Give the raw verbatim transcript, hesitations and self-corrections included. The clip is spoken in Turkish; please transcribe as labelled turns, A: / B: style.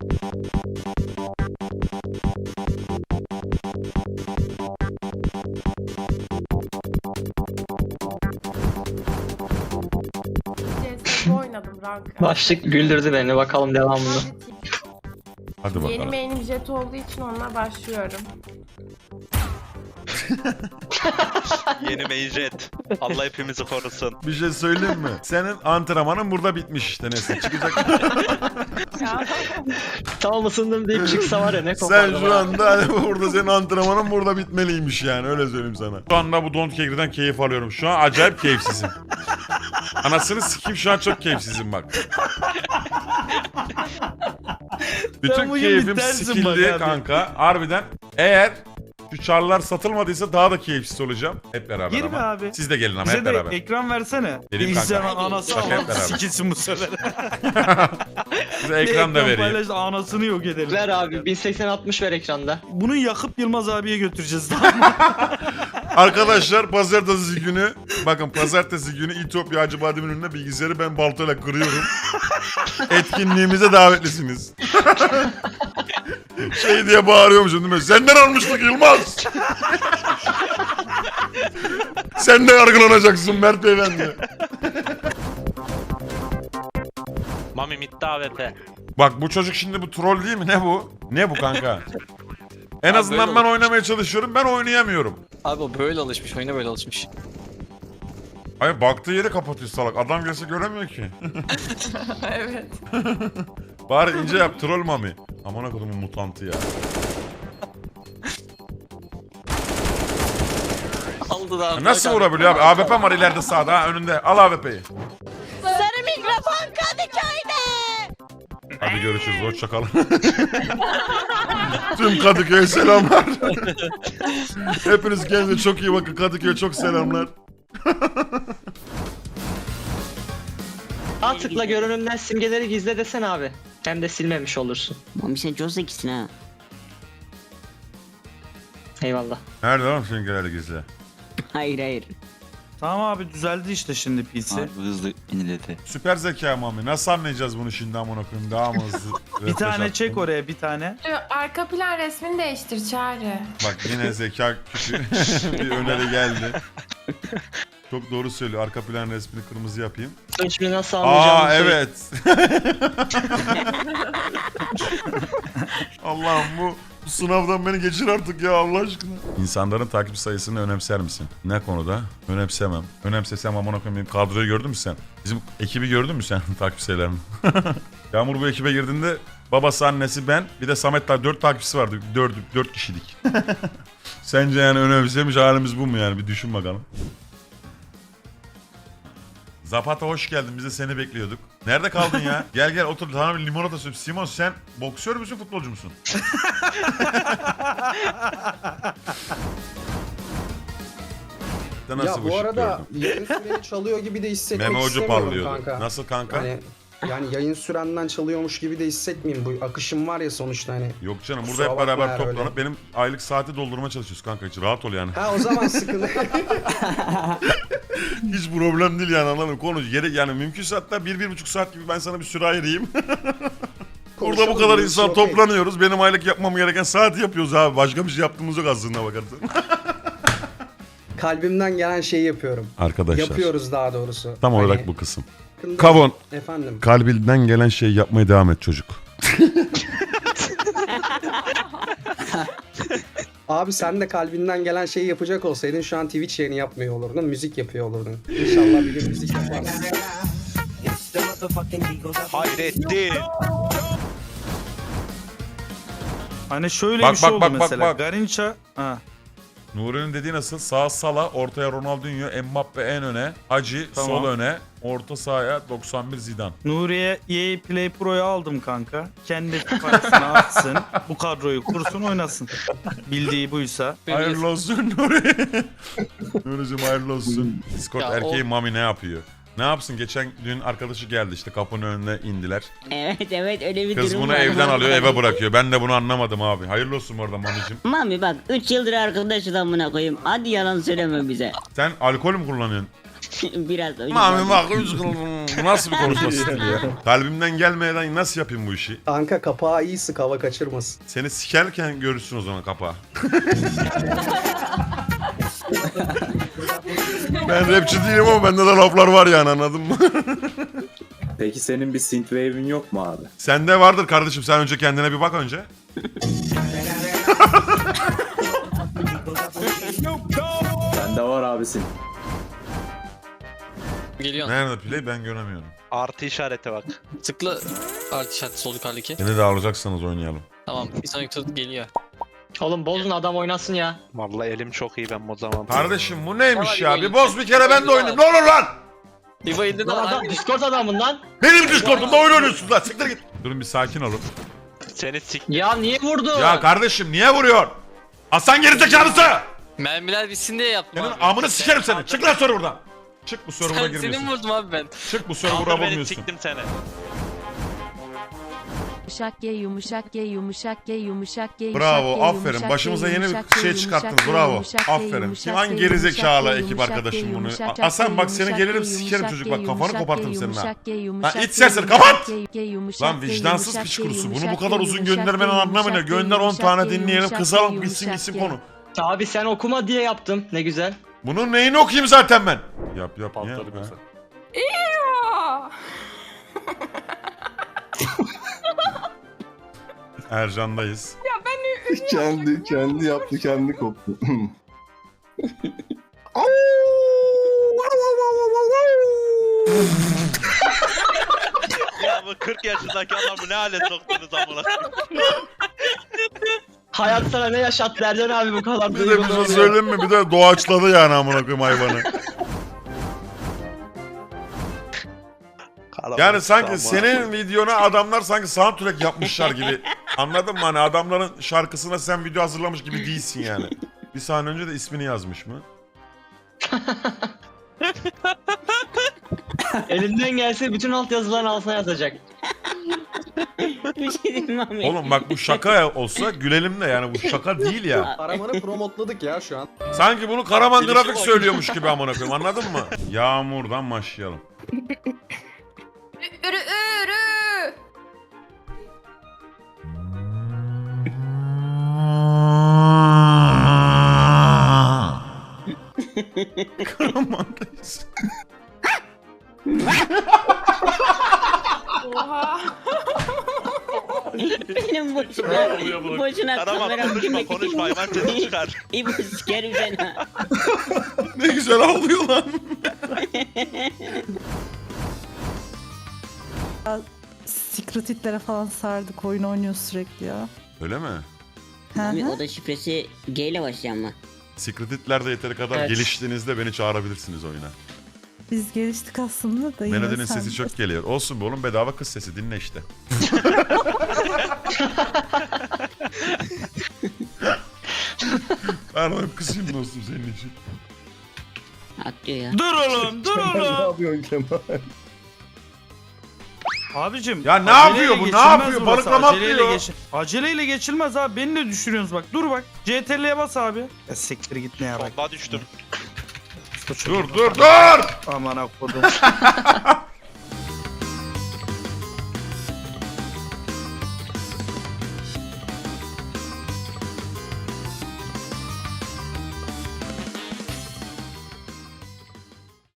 A: C S G O oynadım rank.
B: Başlık güldürdü beni, bakalım devamını.
C: Hadi
A: Yeni
C: bakalım.
A: main'im Jet olduğu için onunla başlıyorum.
D: Yeni main jet. Allah hepimizi korusun.
C: Bir şey söyleyeyim mi? Senin antrenmanın burada bitmiş işte, neyse çıkacak.
B: Tamam ısındım deyip çıksa var ya ne
C: Sen
B: kopardım.
C: şu
B: ha.
C: anda hani burada senin antrenmanın burada bitmeliymiş yani, öyle söyleyeyim sana. Şu anda bu Don't Care'den keyif alıyorum. Şu an acayip keyifsizim. Anasını sikeyim, şu an çok keyifsizim bak. Bütün keyfim sikildi kanka. Harbiden eğer şu çarlar satılmadıysa daha da keyifsiz olacağım. Hep beraber
E: Girme
C: ama.
E: abi.
C: Siz de gelin ama
E: Bize
C: hep
E: de
C: beraber.
E: ekran versene.
C: Vereyim
E: Bilgisayarın
C: kanka.
E: anası
C: Bak hep
E: ama
C: beraber.
E: sikilsin bu sefer.
C: Size ekran da vereyim.
E: paylaş da anasını yok edelim.
B: Ver abi bin seksen altmış ver ekranda.
E: Bunu yakıp Yılmaz abiye götüreceğiz.
C: Arkadaşlar pazartesi günü, bakın pazartesi günü İtopya Hacıbadem'in önüne bilgisayarı ben baltayla kırıyorum. Etkinliğimize davetlisiniz. Şey diye bağırıyormuşum değil mi? Senden almıştık Yılmaz. Sen de yargılanacaksın Mert Beyefendi.
D: Mami midde A W P.
C: Bak bu çocuk şimdi bu troll değil mi? Ne bu? Ne bu kanka? En
F: Abi
C: azından
F: böyle
C: ben
F: olur.
C: oynamaya çalışıyorum, ben oynayamıyorum.
F: Abi o böyle alışmış, oyuna böyle alışmış.
C: Hayır, baktığı yeri kapatıyor salak. Adam gelse göremiyor ki.
A: Evet.
C: Bari ince yap troll mami. Aman kodumun mutantı ya.
F: Aldı da.
C: Nasıl vurabiliyor abi? A W P var ileride sağda, ha önünde. Al A W P'yi.
A: Sarı mikrofon Kadıköy'de.
C: Hadi görüşürüz. Hoşça kalın. Tüm Kadıköy'e selamlar. Hepiniz kendinize çok iyi bakın. Kadıköy'e çok selamlar.
B: Sağ tıkla görünümden simgeleri gizle desen abi. Hem de silmemiş olursun.
G: Mami sen çok zekisin ha.
B: Eyvallah.
C: Nerede lan simgeleri gizli?
G: Hayır hayır.
E: Tamam abi düzeldi işte şimdi P C.
F: Abi hızlı iniledi.
C: Süper zeka mami. Nasıl anlayacağız bunu şimdi amına koyayım? Daha mı hızlı?
E: Bir tane
C: refresh
E: çek
C: attım?
E: oraya bir tane.
A: Arka plan resmini değiştir Çağrı.
C: Bak yine zeka küçüğü bir öneri geldi. Çok doğru söylüyor. Arka plan resmini kırmızı yapayım.
B: Şimdi nasıl anlayacağımı
C: Aa
B: söyle.
C: evet. Allah'ım bu, bu sınavdan beni geçir artık ya Allah aşkına. İnsanların takip sayısını önemser misin? Ne konuda? Önemsemem. Önemsesem amına koyayım, kadroyu gördün mü sen? Bizim ekibi gördün mü sen takip sayılarını? Yağmur bu ekibe girdiğinde babası, annesi, ben, bir de Samet daha dört takipçisi vardı. Dört, dört kişilik. Sence yani önemsemiş halimiz bu mu yani? Bir düşün bakalım. Zapata hoş geldin. Biz de seni bekliyorduk. Nerede kaldın ya? Gel gel otur. Sana bir limonata söyleyeyim. Simon sen boksör müsün, futbolcu musun? Nasıl
H: Ya bu
C: ışık
H: arada
C: gördün?
H: yayın süreni çalıyor gibi de hissetmek
C: Meme ucu
H: istemiyorum
C: parlıyordu.
H: kanka.
C: Nasıl kanka?
H: Hani yani yayın sürenden çalıyormuş gibi de hissetmeyeyim. Bu akışım var ya sonuçta hani.
C: Yok canım, burada
H: Kusura
C: hep
H: bakma
C: beraber
H: eğer
C: toplanıp
H: öyle.
C: benim aylık saati doldurmaya çalışıyoruz kanka, hiç rahat ol yani.
H: Ha o zaman sıkıntı.
C: Hiç problem değil yani, anladın mı? Konu yeri yani mümkünse hatta bir, bir buçuk saat gibi ben sana bir süre ayırayım. Burada bu kadar insan toplanıyoruz. Benim aylık yapmam gereken saati yapıyoruz abi. Başka bir şey yaptığımız yok aslında bakarsan.
H: Kalbimden gelen şeyi yapıyorum.
C: Arkadaşlar.
H: Yapıyoruz daha doğrusu.
C: Tam olarak
H: Hani-
C: bu kısım. Kavon.
H: Efendim.
C: Kalbinden gelen şeyi yapmaya devam et çocuk.
H: Abi sen de kalbinden gelen şeyi yapacak olsaydın şu an Twitch yayını yapmıyor olurdun. Müzik yapıyor olurdun. İnşallah bir gün müzik yaparsın.
D: Hayrettin.
E: Hani şöyle
C: Bak,
E: bir şey
C: bak,
E: oldu
C: bak, bak,
E: mesela.
C: bak.
E: Garinça. Ha.
C: Nuri'nin dediği nasıl? Sağ Sala, ortaya Ronaldinho, Mbappe en öne, Hacı
E: Tamam.
C: sol öne, orta sahaya doksan bir Zidane.
E: Nuriye E A Play Pro'yu aldım kanka. Kendi parasını atsın. Bu kadroyu kursun oynasın. Bildiği buysa.
C: Hayırlı olsun Nuri. Nuri'cim hayırlı olsun. Discord
F: Ya
C: erkeği
F: o-
C: Mami ne yapıyor? Ne yapsın? Geçen dün arkadaşı geldi işte, kapının önüne indiler.
G: Evet evet öyle bir
C: Kız
G: durum
C: bunu
G: var.
C: evden alıyor, eve bırakıyor. Ben de bunu anlamadım abi. Hayırlı olsun bu arada Mami'cim.
G: Mami bak üç yıldır arkadaşız amına koyayım. Hadi yalan söyleme bize.
C: Sen alkol mü kullanıyorsun?
G: Biraz öyle.
C: Mami bak bu nasıl bir konuşma stili ya? Kalbimden gelmeden nasıl yapayım bu işi?
H: Kanka kapağı iyi sık hava kaçırmasın.
C: Seni sikerken görürsün o zaman kapağı. Ben rapçi değilim ama bende de laflar var yani, anladın mı?
I: Peki senin bir synthwave'in yok mu abi?
C: Sende vardır kardeşim, sen önce kendine bir bak önce.
I: Bende var abi synth.
F: Geliyor.
C: Nerede play, ben göremiyorum.
D: Artı işarete bak.
F: Tıkla artı işareti sol yukarıdaki.
C: Beni de alacaksanız oynayalım.
F: Tamam bir sonraki tur geliyor.
B: Oğlum bozun, adam oynasın ya.
D: Vallahi elim çok iyi ben o zaman.
C: Kardeşim bu neymiş
F: Tamam,
C: ya? Bir
F: İbo,
C: boz bir kere ben de oynayayım. Ne olur lan!
F: İbo indi de
B: Lan adam
F: hangi?
B: Discord adamın lan.
C: Benim Discord'umda oyun oynuyorsunuz lan. Siktir git. Durun bir sakin olun.
D: Seni sik...
B: Ya niye vurdu?
C: Ya kardeşim niye vuruyor? Aslan gerizekalısı!
F: Mermiler bitsin diye yaptım
C: Senin
F: abi.
C: amını sikerim seni. Çık lan serverdan. Çık bu server'a
F: Sen,
C: girmiyorsun.
F: senin vurdum abi ben.
C: Çık bu server'a
D: Kaldır beni,
C: bulmuyorsun.
D: siktim seni.
A: Yumuşak G, yumuşak G, yumuşak G, yumuşak G,
C: Bravo,
A: yumuşak G,
C: aferin.
A: yumuşak
C: Başımıza
A: G,
C: yeni bir
A: yumuşak G,
C: şey
A: yumuşak
C: çıkarttınız.
A: G,
C: Bravo.
A: yumuşak G,
C: Aferin.
A: yumuşak
C: Hangi
A: G,
C: gerizekalı
A: yumuşak G,
C: ekip
A: yumuşak
C: arkadaşım
A: G,
C: bunu?
A: yumuşak G,
C: Hasan bak seni
A: yumuşak
C: gelirim
A: G,
C: sikerim
A: yumuşak
C: çocuk
A: G,
C: bak kafanı
A: yumuşak
C: kopartırım
A: G,
C: senin ha.
A: yumuşak G,
C: Lan
A: yumuşak
C: iç
A: G,
C: sesini
A: yumuşak
C: kapat!
A: G, G, yumuşak
C: Lan
A: G,
C: vicdansız
A: yumuşak
C: piç
A: G,
C: kurusu. Bunu
A: yumuşak
C: bu kadar
A: G,
C: uzun
A: yumuşak
C: göndermenin
A: G,
C: anlamı ne?
A: yumuşak G,
C: Gönder on
A: yumuşak
C: tane
A: G,
C: dinleyelim.
A: yumuşak
C: Kız
A: G,
C: alıp bitsin
A: yumuşak
C: gitsin
A: G.
C: konu.
B: Abi sen okuma diye yaptım. Ne güzel.
C: Bunun neyini okuyayım zaten ben? Yap yap niye? Ha? Ercan'dayız.
J: kendi kendi yaptı, kendi koptu.
D: Ya bu kırk yaşındaki adamı ne hale soktunuz amına.
B: Hayat sana ne yaşattı Ercan abi bu kadar
C: Bir de bir
B: duygulu
C: şey
B: oluyor.
C: söyleyeyim mi? Bir de doğaçladı yani amına koyayım hayvanı. Yani sanki senin videona adamlar sanki soundtrack yapmışlar gibi. Anladın mı? Hani adamların şarkısına sen video hazırlamış gibi değilsin yani. Bir saniye önce de ismini yazmış mı?
B: Elinden gelse bütün altyazıların altına yazacak.
G: Bir şey diyeyim mi abi?
C: Oğlum bak bu şaka olsa gülelim de yani bu şaka değil ya.
H: Karaman'ı promotladık ya şu an.
C: Sanki bunu Karaman Grafik söylüyormuş gibi amına koyayım, anladın mı? Yağmurdan başlayalım.
A: Ürü ürü.
C: Karaman'dayız.
A: Oha.
G: Benim boşuna, boşuna
D: Karaman
G: kameram
D: konuşma
G: girmek
D: konuşma hayvan sesi çıkar.
G: İbo sikerim seni ha.
C: Ne güzel ağlıyor lan.
K: Secret Hitler'e falan sardık. Oyun oynuyor sürekli ya.
C: Öyle mi?
G: Abi o da şifresi G ile başlayan mı?
C: Secret Hitler'de yeteri kadar
B: Evet.
C: geliştiğinizde beni çağırabilirsiniz oyuna.
K: Biz geliştik aslında da yine
C: Melody'nin
K: sen-
C: sesi çok geliyor. Olsun be oğlum, bedava kız sesi, dinle işte. Ben hep kızayım dostum senin için.
G: Atlıyor ya.
E: Dur oğlum dur
J: ne
E: oğlum.
J: yapıyorsun Kemal?
E: Abicim.
C: Ya ne
E: aceleyle
C: yapıyor bu, ne
E: geçilmez
C: yapıyor?
E: burası,
C: Balıklama
E: aceleyle
C: atlıyor.
E: geç- Aceleyle geçilmez abi, beni de düşürüyorsunuz bak. Dur bak. C T R'ye bas abi. Ya siktir git ne yarak.
D: Bomba düştüm.
C: Dur dur dur!
E: Aman akkodum.